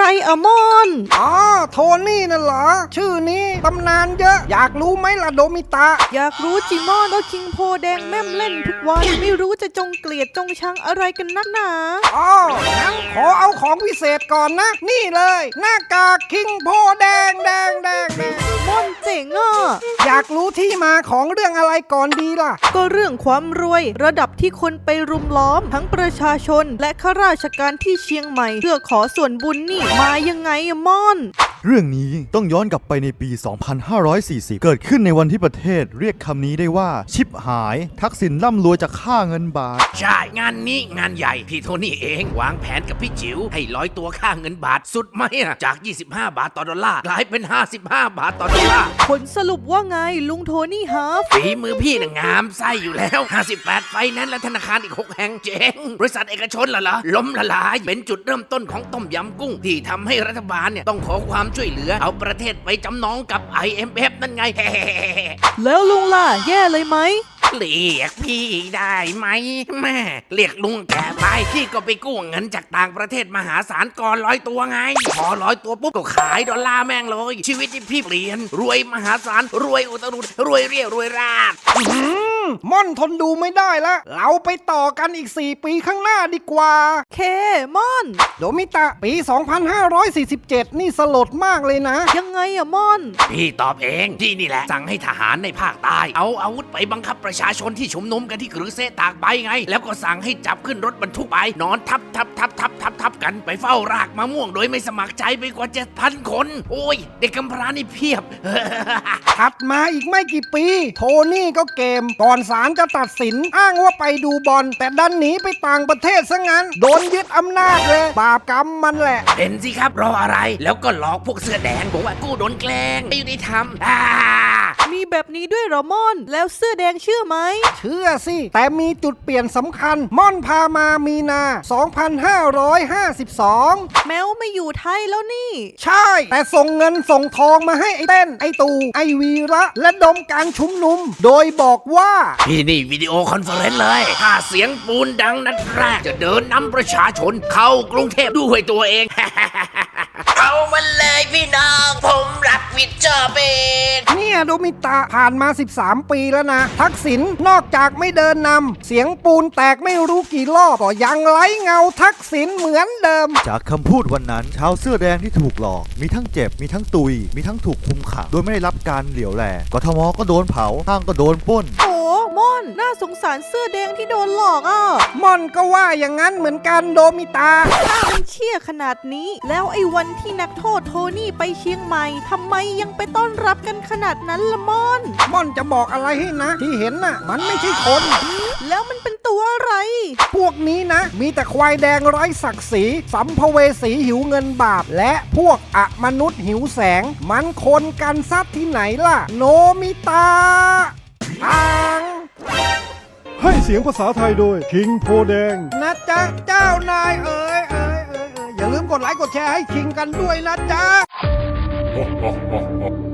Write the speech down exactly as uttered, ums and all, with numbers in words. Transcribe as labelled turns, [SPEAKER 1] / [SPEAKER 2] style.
[SPEAKER 1] อะมอน
[SPEAKER 2] อ๋อโทนี่น่ะเหรอชื่อนี้ตำนานเยอะอยากรู้ไหมล่ะโดมิตะ
[SPEAKER 1] อยากรู้จิมอนก็คิงโพแดงแม่มเล่นทุกวันไม่รู้จะจงเกลียดจงชังอะไรกันนักหนา
[SPEAKER 2] อ๋องั้นขอเอาของพิเศษก่อนนะนี่เลยหน้ากากคิงโพแดงแดงแดงแดง
[SPEAKER 1] มอนเจ๋งอ่ะ
[SPEAKER 2] อยากรู้ที่มาของเรื่องอะไรก่อนดีล่ะ
[SPEAKER 1] ก็เรื่องความรวยระดับที่คนไปรุมล้อมทั้งประชาชนและข้าราชการที่เชียงใหม่เพื่อขอส่วนบุญนี่มายังไงอะมอน
[SPEAKER 3] เรื่องนี้ต้องย้อนกลับไปในปี สองพันห้าร้อยสี่สิบ เกิดขึ้นในวันที่ประเทศเรียกคำนี้ได้ว่าชิบหายทักษิณร่ำรวยจากค่าเงินบาท
[SPEAKER 4] ใช่งานนี้งานใหญ่พี่โทนี่เองวางแผนกับพี่จิ๋วให้ร้อยตัวค่าเงินบาทสุดไหมอะจากยี่สิบห้าบาทต่อดอลลาร์กลายเป็นห้าสิบห้าบาทต่อดอลลาร์
[SPEAKER 1] ผลสรุปว่าไงลุงโทนี่ฮาฟ
[SPEAKER 4] ฝีมือพี่น่ะงามไส้อยู่แล้วห้าสิบแปดไฟนั้นและธนาคารอีกหกแห่งเจ๊งบริษัทเอกชนล่ะล่ะล้มละลายเป็นจุดเริ่มต้นของต้มยำกุ้งที่ทำให้รัฐบาลเนี่ยต้องขอความช่วยเหลือเอาประเทศไปจำนองกับ ไอ เอ็ม เอฟ นั่นไง
[SPEAKER 1] แล้วลุงล่ะแย่เลยไหม
[SPEAKER 4] เรียกพี่ได้ไหมแม่เรียกลุงแก่ไปพี่ก็ไปกู้เงินจากต่างประเทศมหาศาลก่อนร้อยตัวไงพอร้อยตัวปุ๊บก็ขายดอลลาร์แม่งเลยชีวิตที่พี่เปลี่ยนรวยมหาศาลรวยอุตรุดรวยเรียรวยราด
[SPEAKER 2] ม่อนทนดูไม่ได้ละเราไปต่อกันอีกสี่ปีข้างหน้าดีกว่า
[SPEAKER 1] เคม่อน
[SPEAKER 2] โดมิตะปีสองพันห้าร้อยสี่สิบเจ็ดนี่สลดมากเลยนะ
[SPEAKER 1] ยังไงอะม่อน
[SPEAKER 4] พี่ตอบเองที่นี่แหละสั่งให้ทหารในภาคใต้เอาอาวุธไปบังคับประชาชนที่ชุมนุมกันที่กรือเซตากใบไงแล้วก็สั่งให้จับขึ้นรถบรรทุกไปนอนทับทับทับทับทับทับกันไปเฝ้ารากมะม่วงโดยไม่สมัครใจไปกว่าเจ็ดพันคนโอ้ยเด็กกำพร้านี่เพียบ
[SPEAKER 2] ถัดมาอีกไม่กี่ปีโทนี่ก็เกมก่อนศาลจะตัดสินอ้างว่าไปดูบอลแต่ดันหนีไปต่างประเทศซะงั้นโดนยึดอำนาจเลยบาปกรรมมันแหละ
[SPEAKER 4] เห็นสิครับรออะไรแล้วก็หลอกพวกเสื้อแดงบอกว่ากู้โดนแกล้งไม่ยุติธรรมอ่า
[SPEAKER 1] มีแบบนี้ด้วยเหรอม่อนแล้วเสื้อแดงเชื่อไหม
[SPEAKER 2] เชื่อสิแต่มีจุดเปลี่ยนสำคัญม่อนพามามีนาสองพันห้าร้อยห้าสิบสอง
[SPEAKER 1] แมวไม่อยู่ไทยแล้วนี่
[SPEAKER 2] ใช่แต่ส่งเงินส่งทองมาให้ไอ้เต้นไอ้ตูไอ้วีระและดมการชุมนุมโดยบอกว่า
[SPEAKER 4] พี่นี่วิดีโอคอนเฟอเรนซ์เลยถ้าเสียงปูนดังนัดแรกจะเดินนำประชาชนเข้ากรุงเทพด้วยตัวเองเอามันเลยพี่น้องผมรับผิดชอบเอง
[SPEAKER 2] เนี่ยโดมิตะผ่านมาสิบสามปีแล้วนะทักษิณนอกจากไม่เดินนำเสียงปูนแตกไม่รู้กี่รอบก็ยังไร้เงาทักษิณเหมือนเดิม
[SPEAKER 3] จากคำพูดวันนั้นชาวเสื้อแดงที่ถูกหลอกมีทั้งเจ็บมีทั้งตุยมีทั้งถูกคุมขังโดยไม่ได้รับการเหลียวแลกทมก็โดนเผาห้างก็โดนปล้น
[SPEAKER 1] โอ้ม่อนน่าสงสารเสื้อแดงที่โดนหลอกอ่ะ
[SPEAKER 2] ม่อนก็ว่าอย่างนั้นเหมือนกันโดมิตา
[SPEAKER 1] ถ้ามันเชี่ยขนาดนี้แล้วไอ้วันที่นักโทษโทนี่ไปเชียงใหม่ทำไมยังไปต้อนรับกันขนาดนั้นละม่อน
[SPEAKER 2] ม่อนจะบอกอะไรให้นะที่เห็นน่ะมันไม่ใช่คน
[SPEAKER 1] แล้วมันเป็นตัวอะไร
[SPEAKER 2] พวกนี้นะมีแต่ควายแดงไร้ศักดิ์ศรีสัมภเวสีหิวเงินบาปและพวกอมนุษย์หิวแสงมันคนกันซัดที่ไหนล่ะโนมิตาอัง
[SPEAKER 5] ให้เสียงภาษาไทยโดยคิงโพแดง
[SPEAKER 2] นะจ๊ะเจ้านายเอ๋ยเอ๋ยเอ๋ยอย่าลืมกดไลค์กดแชร์ให้คิงกันด้วยนะจ๊ะ